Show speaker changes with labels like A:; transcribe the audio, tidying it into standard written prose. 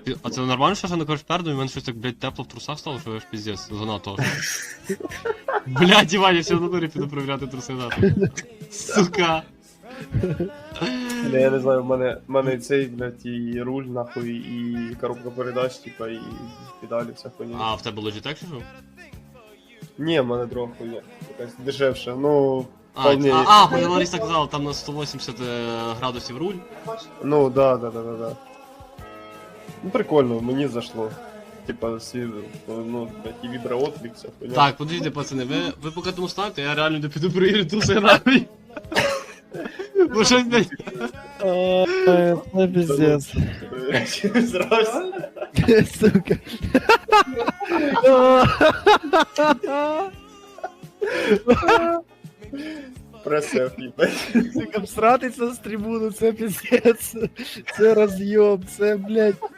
A: А це нормально, що я не кажеш перду, і в мене щось так, блядь, тепло в трусах стало, що я ж піздець, занадто. Блядь, Іван, я ще в натурі піду перевіряти труси, нахуй. Сука.
B: Бля, я не знаю, в мене цей, блядь, і руль, нахуй, і коробка передач, типа, і педалі, вся хуйня.
A: А в тебе Logitech чи що?
B: Ні, в мене друга хуйня, якась дешевша, ну,
A: А,
B: вполне.
A: хоч Лариса казала, там на 180 градусів руль.
B: Ну, да. Ну, прикольно, мені зашло. Типа, ну, блядь, і віброотклик, вся хуйня.
A: Так, подивіться, пацани, ви поки тому ставте, я реально не піду перевірити труси, нахуй. Бо щось, блядь,
C: Это пиздец.
B: Зразу.
C: Сука.
B: Пресеф, їбать.
C: Сука, всратися з трибуну, це пиздец. Це роз'єм, це, блядь.